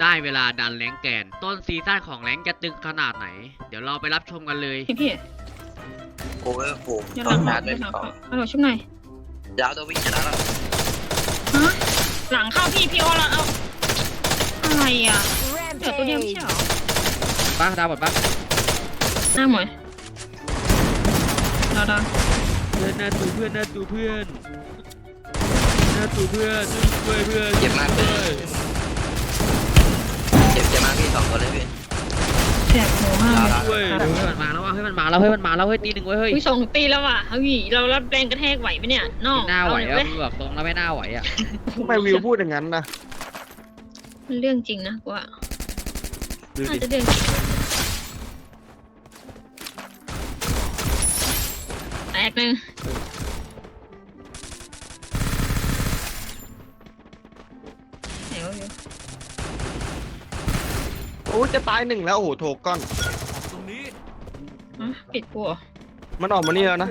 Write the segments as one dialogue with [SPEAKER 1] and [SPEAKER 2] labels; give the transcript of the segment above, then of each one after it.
[SPEAKER 1] ได้เวลาดันแรงแกนต้นซีซั่นของแรงจะตึงขนาดไหนเดี๋ยวเราไปรับชมกันเลย
[SPEAKER 2] พี่
[SPEAKER 3] โอ้ยโห
[SPEAKER 2] อย่าห
[SPEAKER 3] ต้
[SPEAKER 2] ลั
[SPEAKER 3] อง
[SPEAKER 2] ง
[SPEAKER 3] ชา
[SPEAKER 2] เขา
[SPEAKER 3] ร์จ
[SPEAKER 2] อ
[SPEAKER 3] ด้วย
[SPEAKER 2] ย่าหลัง
[SPEAKER 3] เขา
[SPEAKER 2] เขาฮัลโหลชุบหน่อย
[SPEAKER 3] ยาวตัววิ่งชนะแล้ว
[SPEAKER 2] ฮะหลังเข้าพี่โอแล้วเอาอะไรอ่ะเหลือตัวเดียวไม่ใช่เหรอ
[SPEAKER 1] ป้าดาวหมดป้า
[SPEAKER 2] หน้าหมวยดาว
[SPEAKER 1] เพื่อนหน้าตูเพื่อนหน้าตูเพื่อนหน้าตูเพื่อนช่วยเพื่อน
[SPEAKER 3] เจ็บมากเลยเจ็บมากพี่2 ตัวเลยพี่
[SPEAKER 2] แสบหัวมากเลย
[SPEAKER 1] ช่วยเฮ้ยมันมาแล้วว่ะเฮ้ยมันมาแล้วเฮ้ยมันมาแล้วเฮ้ยตีหนึ่งเว้ยเฮ้ย
[SPEAKER 2] อุ้ย2 ตีแล้วว่ะเฮ้ยเรารับแรงกระแทกไหวไหมเนี่ยน้อง
[SPEAKER 1] ไม่น่าไหว
[SPEAKER 2] เอ
[SPEAKER 1] อ่ะ
[SPEAKER 2] เลย
[SPEAKER 1] มึงบอกตรงแล้วไม่น่าไหวอ่ะ
[SPEAKER 4] ทำไมวิวพูดอย่างนั้นนะ
[SPEAKER 2] มันเรื่องจริงนะกูว่า
[SPEAKER 4] ดู
[SPEAKER 2] น่า
[SPEAKER 4] ดิ
[SPEAKER 2] จะเรื่องจริงแตกหนึ่งไหนวะอยู่
[SPEAKER 4] โอ้จะตาย1แล้วโอ้โหโถก้อน
[SPEAKER 2] ปิดกูเหรอ
[SPEAKER 4] มันออกมานี่แล้วนะ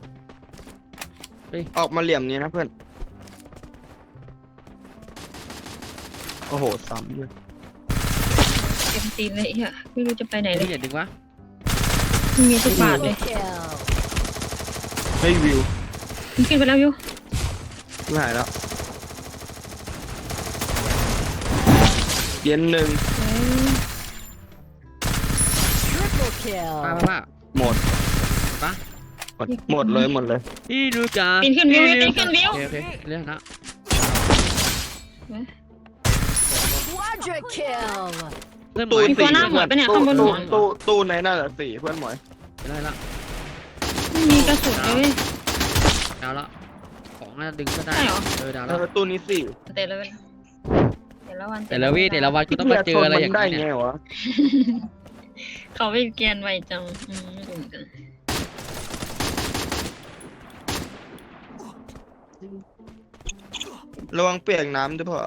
[SPEAKER 4] ออกมาเหลี่ยมนี้นะเพื่อนโอ้โหซ้ำด้วย
[SPEAKER 2] เต็มตีนเลยอ่ะไม่รู้จะไปไหนเล
[SPEAKER 1] พี่
[SPEAKER 2] ย
[SPEAKER 1] อย่าดึงวะ
[SPEAKER 2] ไม่มีทุกบาทเลย
[SPEAKER 4] ให้วิว
[SPEAKER 2] มันขึ้นไปแล้วอยู่
[SPEAKER 4] ไม่หายแล้วเย็น1
[SPEAKER 1] ป้า
[SPEAKER 4] หมด
[SPEAKER 1] ป้า
[SPEAKER 4] หมดเลย
[SPEAKER 1] พี่ดูจ้า
[SPEAKER 2] ปีนขึ้นวิวปีนขึ้นวิว
[SPEAKER 1] โอเคเรื่องนะ
[SPEAKER 5] Quadra kill.
[SPEAKER 1] เพื่อนหม
[SPEAKER 4] ตู้
[SPEAKER 1] วย
[SPEAKER 2] มีตัวหน้าหมวยปะเนี่ยข้างบนหัว
[SPEAKER 4] ตู้ในนั่นแหละ4เพื่อนหมวย
[SPEAKER 1] ได้ละ
[SPEAKER 2] ไม่มีกระสุนเลย
[SPEAKER 1] ดาวละของน่าดึงก็ได้
[SPEAKER 2] ใช่เหรอ
[SPEAKER 1] ดาว
[SPEAKER 4] แล้
[SPEAKER 1] ละ
[SPEAKER 4] วตู้นี้4
[SPEAKER 2] แต่ละวันแต่ละวัน
[SPEAKER 1] แต่ละวี่แต่ละวันกูต้องมาเจออะไรอย่าง
[SPEAKER 4] ได้
[SPEAKER 1] นี้
[SPEAKER 4] ไง
[SPEAKER 1] เนี่ยว
[SPEAKER 4] ะ
[SPEAKER 2] เขาไปเกียนไวจังไม่รู้เหมือนกัน
[SPEAKER 4] ระวังเปียกน้ำด้วยพ่อ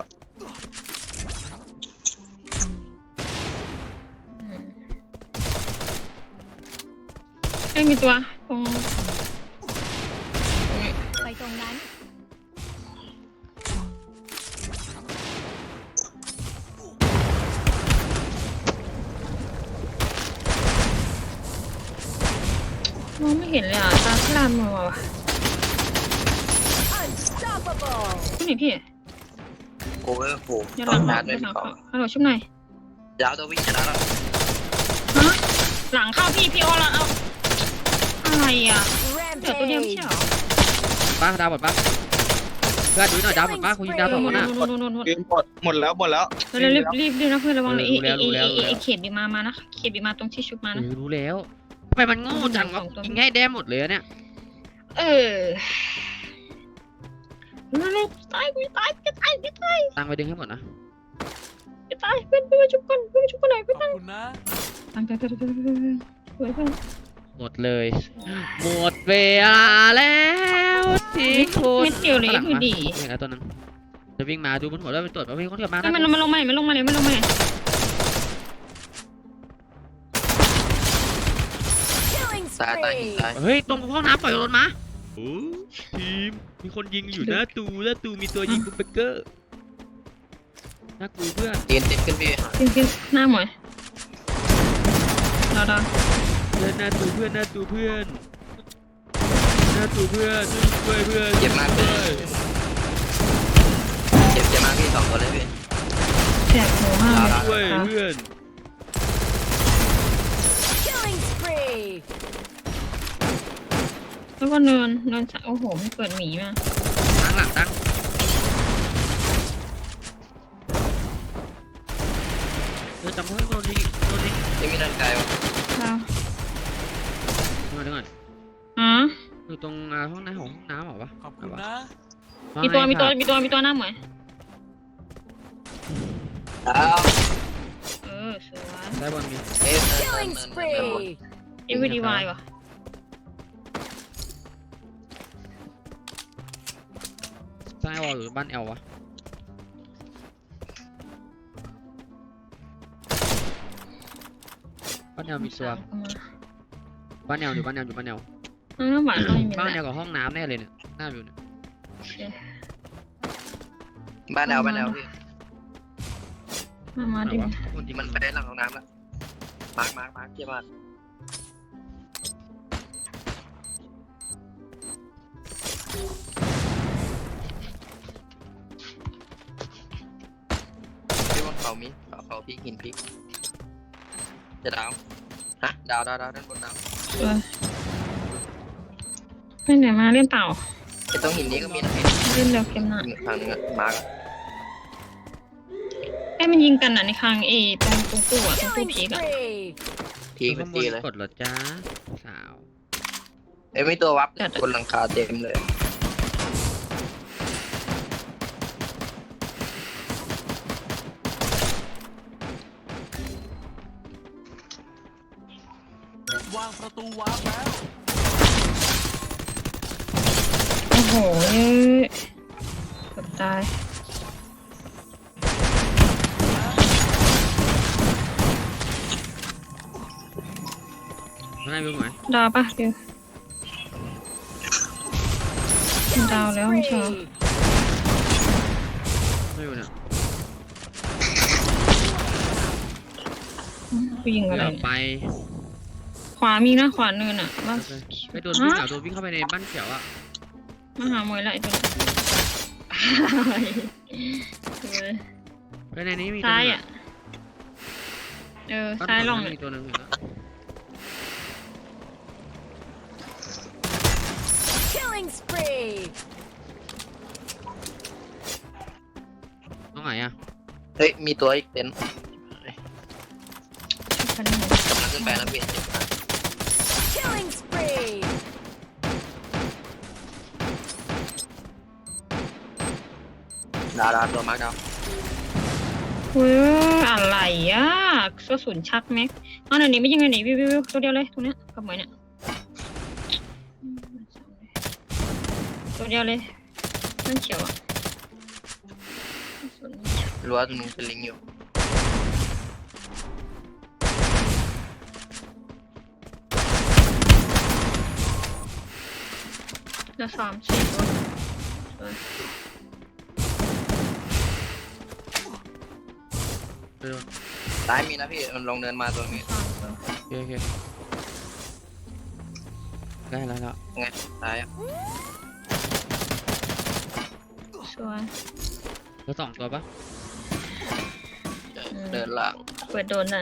[SPEAKER 2] ไม่มีตัวตรง
[SPEAKER 5] ไปตรงนั้น
[SPEAKER 2] มองไม่เห็นเลยอ่ะตาคลามมาว่ะ
[SPEAKER 5] Unstoppable.
[SPEAKER 2] พี่หนิพี่
[SPEAKER 3] โอ้ยโห
[SPEAKER 2] อย่าห
[SPEAKER 3] ต้
[SPEAKER 2] ลั
[SPEAKER 3] อง
[SPEAKER 2] ง
[SPEAKER 3] ชาร์จด้วย
[SPEAKER 2] หลัง
[SPEAKER 3] เขา
[SPEAKER 2] ฮัลโหลชุบหน่อย
[SPEAKER 3] ยาวตัววิ่งชนะแล้ว
[SPEAKER 2] ฮะหลังเข้าพี่โอแล้วเอาอะไรอ่ะเหลือตัวเดียวไม่ใช่เหรอ
[SPEAKER 1] ป้าดาวหมดป้าเพื่อนดูหน่อยดาวหมดป้าคุณยิงดาวสอง
[SPEAKER 2] หม
[SPEAKER 1] ค
[SPEAKER 2] ด
[SPEAKER 1] นน่ะ
[SPEAKER 4] หมดแล้ว
[SPEAKER 2] รีบนะเพื่อนระวังเลย
[SPEAKER 1] รู้แล้ว
[SPEAKER 2] ไอเขตบีมานะเขตบีมาตรงที่ชุบมานะ
[SPEAKER 1] รู้แล้วทำไมมันโง่จังวะยิงให้ได้หมดเลยเนี่ย
[SPEAKER 2] ลูกตายกูตายกูตายกูตาย
[SPEAKER 1] ตังไปดึงให้หมดนะ
[SPEAKER 2] กูตายเพื่อนมาชุบกันเพื่อนชุบกันหน่อยเพื่อน
[SPEAKER 6] ขอบคุณนะ
[SPEAKER 2] ตั้งใจสวยเพื่อน
[SPEAKER 1] หมดเลยหมดเวลาแล้วที่คุณ
[SPEAKER 2] เม็ดเดียวเลยคือดี
[SPEAKER 1] นี่นะตัวนึงจะวิ่งมาดูบนหัวแล้วไปตรวจว่ามีคนเกิดมา
[SPEAKER 2] มันลงมามันลงมาเลยมันลงมาเลย
[SPEAKER 5] Killing
[SPEAKER 3] ตาย
[SPEAKER 5] spree.
[SPEAKER 3] ตาย
[SPEAKER 1] เฮ้ยตรงห้องน้ำปล่อยรถมาโอ้ทีมมีคนยิงอยู่หน้าตูมีตัวยิงบุ๊กเบเกอร์น่ากลัวเพื่อน
[SPEAKER 3] ยืนติดขึ้นพี่
[SPEAKER 2] กินหน้าหมวยดาว
[SPEAKER 1] เพื่อนหน้าตูเพื่อนหน้าตูเพื่อนช่วยเพื่อน
[SPEAKER 3] เจ็บมากเลยเจ็บมากพี่2 ตัวเลยพี่
[SPEAKER 2] แสบหัวมาก
[SPEAKER 1] ช่วยเพื่อน
[SPEAKER 5] Killing spree.
[SPEAKER 2] แล้วก็เนินโอ้โหมันเกิดหมีมา
[SPEAKER 1] ตั้งหลังตั้งจำเพื่อนโดนยิง
[SPEAKER 3] ไม่มีร่างกายวะ
[SPEAKER 2] ดาว
[SPEAKER 1] มาดูก่อน อยู่ตรงห้องน้ำของห้องน้ำเหรอวะ
[SPEAKER 6] ขอบคุณนะ
[SPEAKER 2] มีตัวหน้าหมวย
[SPEAKER 3] ดาว
[SPEAKER 2] สวย
[SPEAKER 1] ได้บอลมี
[SPEAKER 5] Killing spree.
[SPEAKER 2] เอวีดีวายวะ
[SPEAKER 1] ซ้ายวอลหรือบ้านแอลวะบ้านแอลมีตัวบ้านแอลอยู่บ้านแอล
[SPEAKER 2] น้ำหวานก็ไม่มี
[SPEAKER 1] บ้านแอ
[SPEAKER 2] แล้
[SPEAKER 1] ล
[SPEAKER 2] ว
[SPEAKER 1] กับห้องน้ำแน่เลยเนี่ยหน้าอยู่เนี่ย
[SPEAKER 3] บ้านแนวพี่
[SPEAKER 2] มา
[SPEAKER 1] ไหน
[SPEAKER 2] ดิ
[SPEAKER 1] วะคนยิง
[SPEAKER 3] มันไปหลังห้องน้ำละมาร์คเกี่ยมากพี่บนเขามีเขาพลิกหินพลิกจะดาวฮะดาวด้านบนดาว
[SPEAKER 2] ไปไหนมาเล่นเต่า
[SPEAKER 3] ไอ้ตรงหินนี้ก็มีนะพี่
[SPEAKER 2] เล่นเร็วเกมหน้า
[SPEAKER 3] อีกทางนึงอะมาร์ค
[SPEAKER 2] ไอ้มันยิงกันอ่ะในคางตรงตู้อ่ะตรงตู้
[SPEAKER 5] Killing
[SPEAKER 2] พีกอ่ะ
[SPEAKER 5] spree.
[SPEAKER 3] พีก
[SPEAKER 1] ข้างบ
[SPEAKER 3] ตี
[SPEAKER 1] น
[SPEAKER 3] เลย
[SPEAKER 1] กดเหรอจ้าสาว
[SPEAKER 3] ไอ้ไม่ตัววับบนหลังคาเต็มเลย
[SPEAKER 6] วางประตูวาร์ปแล้ว
[SPEAKER 2] โอ้โหเกือบตาย
[SPEAKER 1] ข้างในมึงไหม
[SPEAKER 2] ดาวปะดิวดาวแล้วไม่ใช่เหรอ
[SPEAKER 5] Spree.
[SPEAKER 1] ไม่อยู่เนี่ย
[SPEAKER 2] กูยิงอะไร
[SPEAKER 1] เดี๋ยว
[SPEAKER 2] เนี่ย
[SPEAKER 1] ไป
[SPEAKER 2] ขวามีนะขวาเนินอ่ะว่า
[SPEAKER 1] ไปโดนวิ่งโดนวิ่งเข้าไปในบ้านเขียวอ่ะ
[SPEAKER 2] มาหามวยละไอ้ตัวนี้
[SPEAKER 1] ไปในนี้มี
[SPEAKER 2] ซ้ายอ่ะซ้ายลอง
[SPEAKER 1] เล
[SPEAKER 2] เลย ย
[SPEAKER 1] มีตัวหนึงเห็นแล้ว
[SPEAKER 5] Killing spree.
[SPEAKER 1] ตรงไหนอ่ะ
[SPEAKER 3] เฮ้ยมีตัวอีกเต็นท์
[SPEAKER 2] คันนี้
[SPEAKER 3] กำลังขึ้นไปแล้วพี่
[SPEAKER 5] Killing spree.
[SPEAKER 3] ดาวตัวมาร์คดาว
[SPEAKER 2] เว้ยอะไรอ่ะกระสุนชักแม็กเอาหน่อยหนีไม่ยิงเลยหนีวิวตัวเดียวเลยตรงเนี้ยกับหมวยเนี่ยตัวเดียวเลยนั่นเขียวอ่ะกระสุน
[SPEAKER 3] รั้วตรงนึงเป็นลิงอยู่
[SPEAKER 2] เหลือ3-4ตัว
[SPEAKER 1] ไปโดน
[SPEAKER 3] ซ้ายมีนะพี่มันลงเดินมาตรงนี้
[SPEAKER 1] โอเคได้แล้ว
[SPEAKER 3] ไงซ้ายอะ
[SPEAKER 2] สวย
[SPEAKER 1] แล้ว2ตัวปะ
[SPEAKER 3] เดินหลัง
[SPEAKER 2] เปิดโดนนะ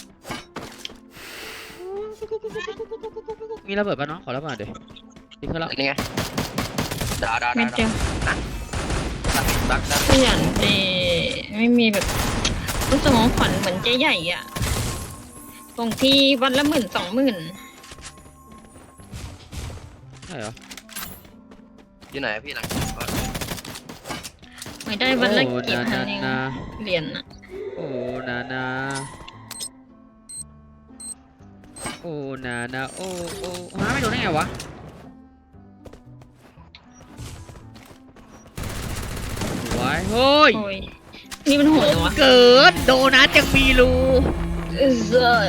[SPEAKER 1] มีระเบิดปะน้องขอระเบิดเดี๋ยวนี่คือแล้ว
[SPEAKER 3] นี่ไงดาว
[SPEAKER 2] เม็ดเดียว
[SPEAKER 3] ดัก
[SPEAKER 2] ขยันดีไม่มีแบบรู้สึกของขวัญเหมือนเจ๊ใหญ่อ่ะตรงที่วันละ10,000-20,000
[SPEAKER 1] ใช่เหรอ
[SPEAKER 3] อยู่ไหนพี่หลังก่อน
[SPEAKER 2] ไม่ได้วันละ
[SPEAKER 1] โอ้
[SPEAKER 2] กี่พัน
[SPEAKER 1] นา
[SPEAKER 2] เอง
[SPEAKER 1] นา
[SPEAKER 2] เหรียญอ่ะ
[SPEAKER 1] โอ้นาโอ้นาโอ้หาไม่โดนได้ไงวะสวยเฮ้ย
[SPEAKER 2] โอ้ยนี่มันโหดเหรอวะ
[SPEAKER 1] เกิดโดนัทยังมีรู
[SPEAKER 2] เออ